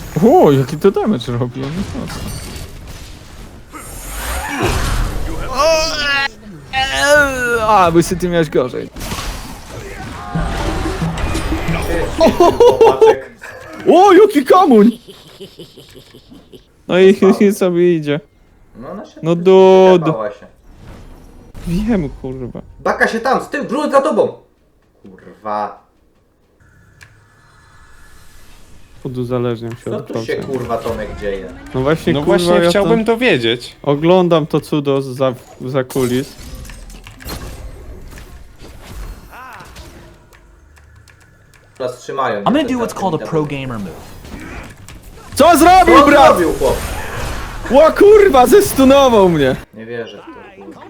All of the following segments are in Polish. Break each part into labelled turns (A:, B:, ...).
A: O, jaki to damage robi, on jest mocno. A, by ty miałeś gorzej.
B: Chłopaczek.
A: O, jaki kamuń! No i sobie idzie.
B: No ona się
A: No dudu.
B: wyklepała się.
A: Wiem, kurwa.
B: Baka się tam, z tyłu, drugi za tobą! Kurwa.
A: Uzależniam się
B: Co
A: od
B: tu się
A: gwałcenia.
B: kurwa Tomek dzieje?
A: No właśnie,
C: No
A: kurwa,
C: właśnie
A: ja
C: chciałbym to wiedzieć.
A: oglądam to cudo za kulis.
B: Teraz trzymają.
D: I'm gonna do what's called a pro gamer move.
A: Co zrobił,
B: Co
A: brat?
B: zrobił chłop?
A: Ła kurwa, zestunował mnie.
B: Nie wierzę w to kurwa.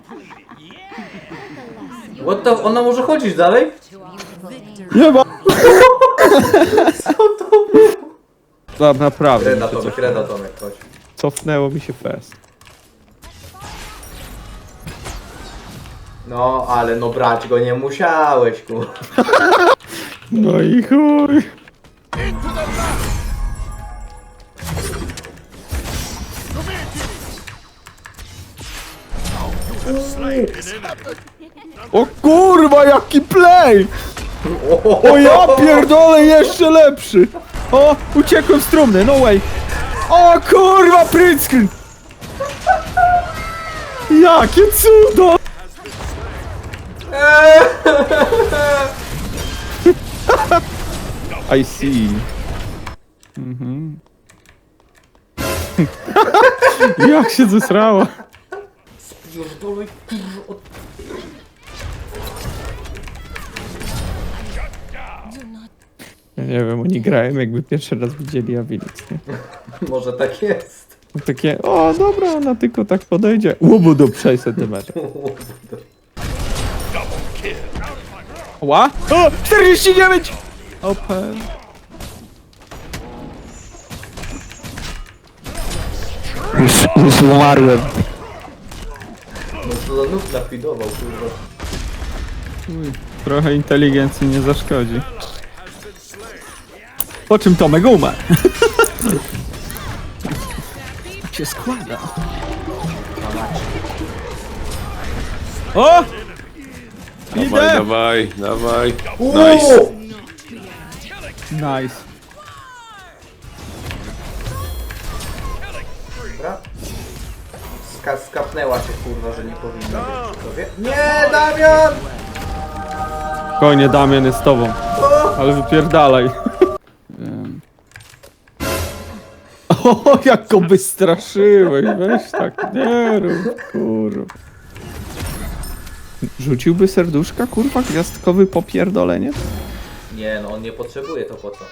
B: What the... Ona może chodzić dalej?
A: Nie ma. Naprawdę.
B: Kreda
A: mi się
B: Tomek, kreda Tomek, chodź.
A: Cofnęło mi się fest.
B: No, ale no brać go nie musiałeś, kurwa.
A: No i chuj. O kurwa, jaki play! O ja pierdolę, jeszcze lepszy! O, uciekłem z trumny, no way! O kurwa, print screen! Jakie cudo! I see. Mhm. Jak się zesrała?
B: Pierdolę, kurwa, od...
A: Ja nie wiem, oni grają jakby pierwszy raz widzieli Abilix, nie?
B: Może tak jest.
A: Takie, o dobra, ona tylko tak podejdzie. Łubu do 6 cm. Ła? O! 49! Open. Już umarłem.
B: No co za nóg nafidował, kurwa.
A: Trochę inteligencji nie zaszkodzi. Po czym Tomek umarł. Tak się składa. O!
C: Dawaj,
A: Idę!
C: dawaj, dawaj.
B: Nice!
A: Nice.
B: Dobra. Skapnęła się, kurwa, że nie powinna być przy tobie. Nie, Damian!
A: Spokojnie, Damian jest z tobą. Ale wypierdalaj. O, jak go wystraszyłeś, weź tak, nie rób, kurwa. Rzuciłby serduszka, kurwa, gwiazdkowy popierdolenie?
B: Nie, no on nie potrzebuje, to po co?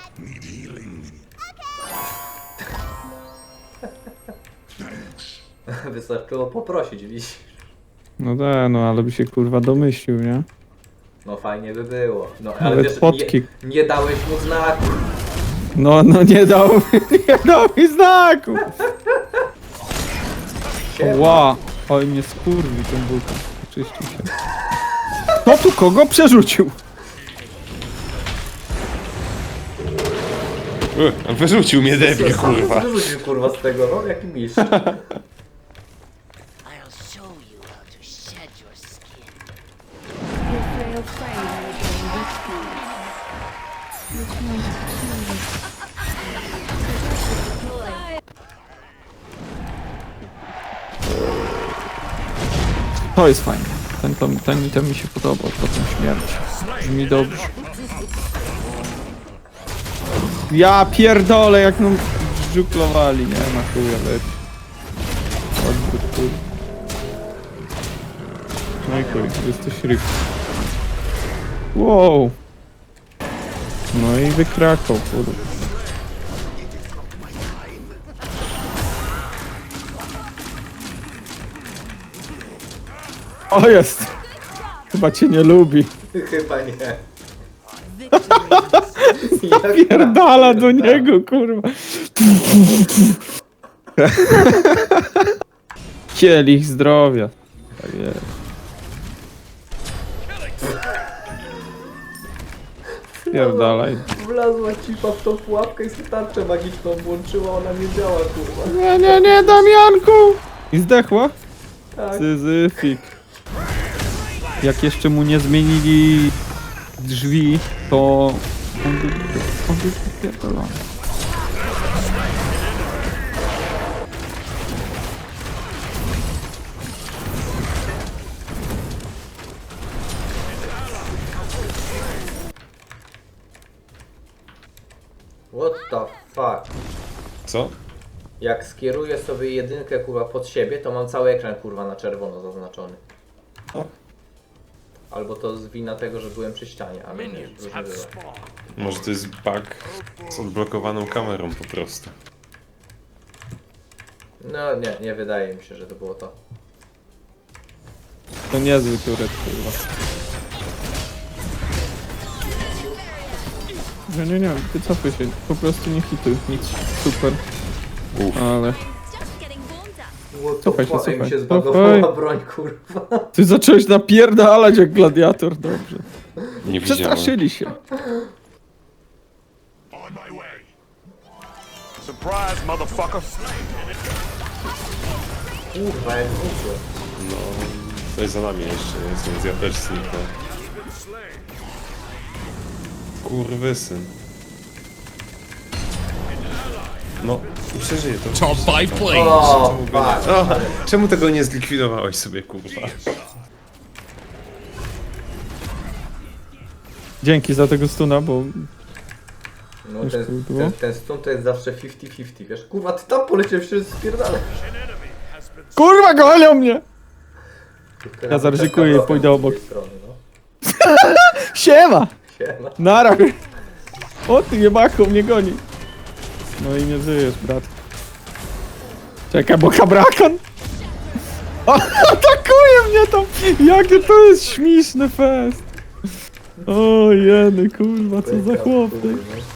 B: Wystarczyło poprosić, widzisz?
A: No da, no ale by się kurwa domyślił, nie?
B: No fajnie by było. No ale
A: Nawet
B: wiesz,
A: fotki.
B: nie dałeś mu znaku.
A: No nie dał mi znaku! Ła, oj mnie skurwi ten buka. Oczyścił się. Kto tu kogo przerzucił?
C: Wyrzucił mnie debil, kurwa.
B: Wyrzucił kurwa z tego, no jaki mistrz.
E: I'll show you how to shed your skin.
F: Your frail frame will gain weakness. Which
A: To jest fajne. Ten mi się podobał, potem śmierć. Brzmi dobrze. Ja pierdolę, jak nam żuklowali, nie ma chuja lepiej. Odwrót chuj. No i chuj, jesteś ryb. Wow. No i wykrakał, kurwa. O, jest! Chyba cię nie lubi.
B: Chyba nie.
A: Pierdala do niego, kurwa. Kielich zdrowia. Tak jest. Pierdalaj.
B: Wlazła cipa w tą pułapkę i sobie tarczę magiczną włączyła, ona nie działa, kurwa.
A: Nie, Damianku! I zdechła?
B: Tak.
A: Syzyfik. Jak jeszcze mu nie zmienili drzwi, to on był pierdolony.
B: What the fuck?
C: Co?
B: Jak skieruję sobie jedynkę kurwa pod siebie, to mam cały ekran kurwa na czerwono zaznaczony.
C: O.
B: Albo to z wina tego, że byłem przy ścianie, ale nie, różnie bywa.
C: Może to jest bug z odblokowaną kamerą po prostu.
B: No nie wydaje mi się, że to było to.
A: To niezły turet, kurwa. Nie, wycofuj się, po prostu nie hituj, nic, super,
C: Uff.
A: ale...
F: Just getting warmed up.
B: What
A: Cofaj się,
B: the fuck? Ej, mi
A: cofaj.
B: się zbagowała
A: Cofaj.
B: broń kurwa.
A: Ty zacząłeś napierdalać jak gladiator, dobrze.
C: Nie widziałem.
A: Przestraszyli się.
G: On my way. Surprise, motherfucker.
B: Kurwa, jak zwykle.
C: No, to jest za nami jeszcze, więc ja też zniknę. Kurwysyn. No, przeżyję to.
D: Top 5 plays.
B: O,
C: Czemu go
B: fuck.
C: nie... O, czemu tego nie zlikwidowałeś sobie, kurwa?
A: Dzięki za tego stuna, bo...
B: No
A: Już tu było?
B: ten stun to jest zawsze 50-50, wiesz? Kurwa, ty tam poleciałeś się spierdalać.
A: Kurwa, gonią mnie! Ja zaryzykuję i pójdę obok.
B: Strony, no.
A: Siema!
B: Siema.
A: Nara! O ty jebaku, mnie goni. No i nie żyjesz, brat. Czekaj, bo kabrakon! O, atakuje mnie tam! Jakie to jest śmieszny fest! O jeny, kurwa, co za chłop ty.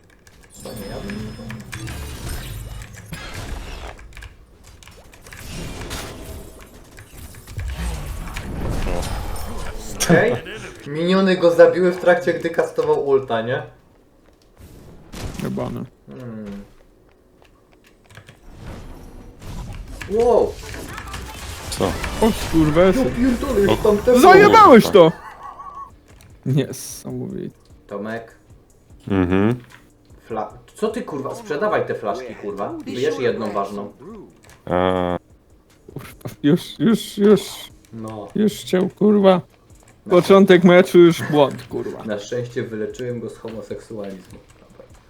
B: Okej. Miniony go zabiły w trakcie, gdy kastował ulta, nie?
A: Jebany.
B: Wow!
C: Co?
A: O skurwesy.
B: Pierdolę, już tam też
A: Zajebałeś to! Niesamowite.
B: Tomek,
C: Mhm.
B: Co ty kurwa? Sprzedawaj te flaszki kurwa. Wyjesz jedną ważną.
C: A,
B: No.
A: Już chciał, kurwa. Początek meczu już błąd, kurwa.
B: Na szczęście wyleczyłem go z homoseksualizmu.